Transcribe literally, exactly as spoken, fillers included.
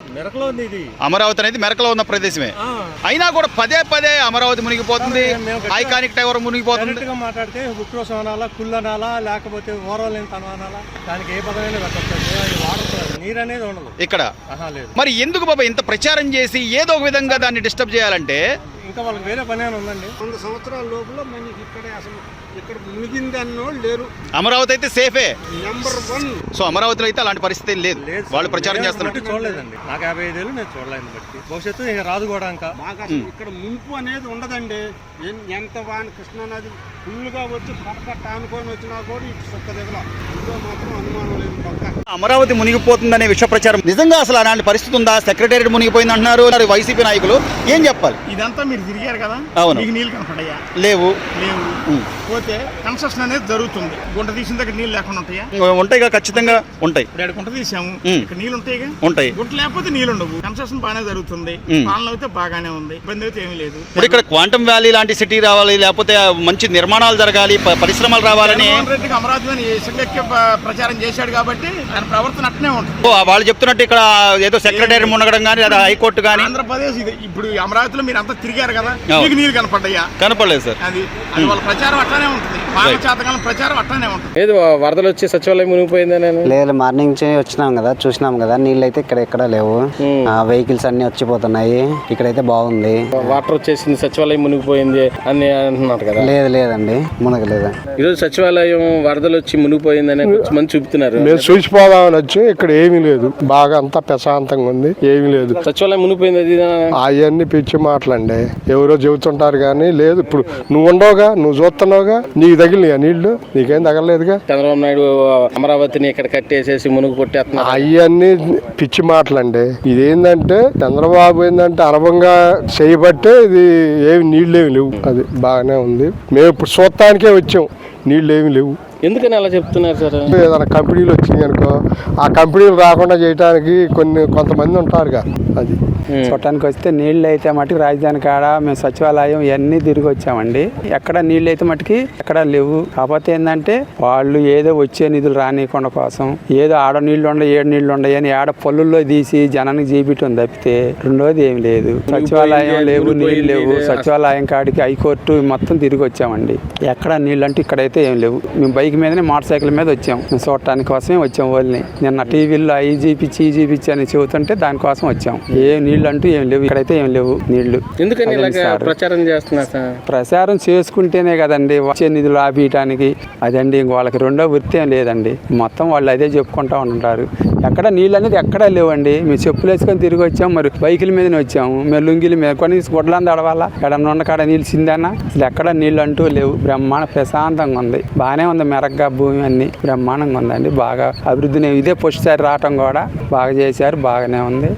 అమరావతి అనేది మెరకలో ఉన్న ప్రదేశమే. అయినా కూడా పదే పదే అమరావతి మునిగిపోతుంది, ఐకానిక్ టవర్ మునిగిపోతుంది. మాట్లాడితే ఉక్రోసం అనాలా, కుళ్ళు అనాలా, లేకపోతే ఓరలేని తనం అనాలా, దానికి ఏ పదమైనా పెట్టచ్చు. నీరు అనేది ఉండదు ఇక్కడ. మరి ఎందుకు బాబా ఇంత ప్రచారం చేసి ఏదో ఒక విధంగా దాన్ని డిస్టర్బ్ చేయాలంటే? ఇంకా వాళ్ళకి వేరే పని ఉందండి. వంద సంవత్సరాల లోపల మనకి ఇక్కడే అసలు ఇక్కడ మునిగింది అన్నోళ్ళు లేరు. అమరావతి అయితే సేఫే నెంబర్ వన్. సో అమరావతిలో అయితే అలాంటి పరిస్థితి లేదు, వాళ్ళు ప్రచారం చేస్తున్నారు. చూడలేదండి, నాకు యాభై ఐదేళ్ళు నేను చూడలేదు. బట్టి భవిష్యత్తు ఇక రాదు కూడా. ఇంకా మాకు అసలు ఇక్కడ ముంపు అనేది ఉండదండి. ఎంత వాని కృష్ణానది ఫుల్గా వచ్చి పట్టపట్ట అనుకొని వచ్చినా కూడా ఇటు సొక్క దిగల, ఇందులో మాత్రం అనుమానం లేదు. పక్క అమరావతి మునిగిపోతుందనే విష ప్రచారం నిజంగా అసలు అలాంటి పరిస్థితి ఉందా? సెక్రటేరియట్ మునిగిపోయింది అంటున్నారు వైసీపీ నాయకులు, ఏం చెప్పాలి? ఇదంతా మీరు తిరిగారు కదా, అవును. మీకు నీళ్ళు కనపడయా? లేవు. లేవు. పోతే కన్స్ట్రక్షన్ అనేది జరుగుతుంది. గుంట తీసిన దగ్గర నీళ్ళు లేకుండా ఉంటాయా? ఉంటాయి, ఖచ్చితంగా ఉంటాయి. ఇక్కడ గుంట తీసాము, ఇక్కడ నీళ్ళు ఉంటాయి. ఉంటాయి. గుంట లేకపోతే నీళ్ళు ఉండవు. కన్స్ట్రక్షన్ బాగానే జరుగుతుంది, పాలన అయితే బాగానే ఉంది, ఇబ్బంది అయితే ఏమీ లేదు. ఇప్పుడు ఇక్కడ క్వాంటమ్ వ్యాలీ లాంటి సిటీ రావాలి, లేకపోతే మంచి నిర్మాణాలు జరగాలి, పరిశ్రమలు రావాలని అమరావతి ప్రచారం చేశాడు కాబట్టి ఆయన ప్రవర్తన అట్నే ఉంటుంది. వాళ్ళు చెప్తున్నట్టు ఇక్కడ ఏదో సెక్రటరీ మునగడం కానీ, లేదా హైకోర్టు కానీ. ఆంధ్రప్రదేశ్ ఇది. ఇప్పుడు అమరావతిలో మీరు అంతా తిరిగారు కదా, మీకు నీళ్ళు కనపడ్డాయా? కనపడలేదు సార్. అది అది వాళ్ళ ప్రచారం అట్లానే ఉంటుంది, పాలచాతకాలం ప్రచారం అట్లానే ఉంటుంది. ఏదో వరదలు వచ్చి సచివాలయం మునిగిపోయిందని లేదు, మార్నింగ్ నుంచి వచ్చినాం కదా, చూసినాం కదా, నీళ్ళు అయితే ఇక్కడ ఎక్కడ లేవు. వెహికల్స్ అన్ని వచ్చిపోతున్నాయి. ఇక్కడైతే బాగుంది. వాటర్ వచ్చేసింది, సచివాలయం మునిగిపోయింది అని అంటున్నారు కదా? లేదు లేదండి, మునగలేదు. ఈరోజు సచివాలయం వరదలు వచ్చి మునిగిపోయిందని మంది చూపుతున్నారు. మేము చూసిపోదామని వచ్చి ఇక్కడ ఏమీ లేదు, బాగా అంతా ప్రశాంతంగా ఉంది, ఏమీ లేదు. సచివాలయం మునిగిపోయింది అది అవన్నీ పిచ్చి మాటలండి, ఎవరో చెబుతుంటారు కానీ లేదు. ఇప్పుడు నువ్వు ఉండవుగా, నువ్వు చూస్తున్నావుగా, నీకు తగిలినాయా నీళ్లు? నీకేం తగలలేదుగా. చంద్రబాబు నాయుడు అమరావతిని ఇక్కడ కట్టేసేసి మునుగు కొట్టేస్తున్నారు. అవన్నీ పిచ్చి మాటలండి. ఇదేంటంటే చంద్రబాబు ఏంటంటే అరబంగా చేయబట్టే ఇది ఏమి నీళ్ళు ఏమి లేవు. అది బాగానే ఉంది. మేము ఇప్పుడు చూడటానికే వచ్చాం, నీళ్ళు ఏమి లేవు. ఎందుకని అలా చెప్తున్నారు సార్? ఏదైనా కంపెనీలు వచ్చినాయి అనుకో, ఆ కంపెనీలు రాకుండా చేయడానికి కొన్ని కొంతమంది ఉంటారుగా. అది చూడటానికి వస్తే నీళ్ళు అయితే మటుకు రాజధాని కాడ మేము సచివాలయం ఇవన్నీ తిరిగి వచ్చామండి. ఎక్కడ నీళ్ళు అయితే మటుకి ఎక్కడ లేవు. కాకపోతే ఏంటంటే వాళ్ళు ఏదో వచ్చే నిధులు రానియకుండా కోసం ఏదో ఆడ నీళ్లు ఉండవు, ఏడు నీళ్లు ఉండవు అని ఆడ పొల్లుల్లో తీసి జనానికి జీబిటం తప్పితే రెండోది ఏమి లేదు. సచివాలయం లేవు, నీళ్ళు లేవు. సచివాలయం కాడికి హైకోర్టు మొత్తం తిరిగి వచ్చామండి. ఎక్కడ నీళ్ళు అంటే ఇక్కడైతే ఏం లేవు. మేము బైక్ మీదనే మోటార్ సైకిల్ మీద వచ్చాం, మేము చూడటానికి కోసమే వచ్చాం. వాళ్ళని నిన్న టీవీలో ఐ జీపిచ్చి ఈ జీపిచ్చి అని చెబుతుంటే దానికోసం వచ్చాం. ఏ నీళ్ళు అంటూ ఏం లేవు, ఇక్కడైతే ఏం లేవు నీళ్లు. ఎందుకని ప్రచారం చేస్తున్నారు? ప్రచారం చేసుకుంటేనే కదండి వచ్చే నిధులు ఆపేయటానికి. అదండి వాళ్ళకి రెండో వృత్తి ఏం లేదండి, మొత్తం వాళ్ళు అదే చెప్పుకుంటా ఉంటారు. ఎక్కడ నీళ్ళు అనేది ఎక్కడా లేవండి. మేము చెప్పులు వేసుకొని తిరిగి వచ్చాము, మరి బైకుల మీదనే వచ్చాము. మేము లుంగిల మీద కొన్ని గుడ్లంది అడవాలా, ఎడన్నా ఉన్న కాడ నీళ్ళు చిందన్నా అసలు ఎక్కడ నీళ్ళు అంటూ లేవు. బ్రహ్మాండ ప్రశాంతంగా ఉంది, బాగానే ఉంది. మెరగ్గా భూమి అన్ని బ్రహ్మాండంగా ఉందండి. బాగా అభివృద్ధిని ఇదే పుష్టిసారి రావటం కూడా బాగా చేశారు, బాగానే ఉంది.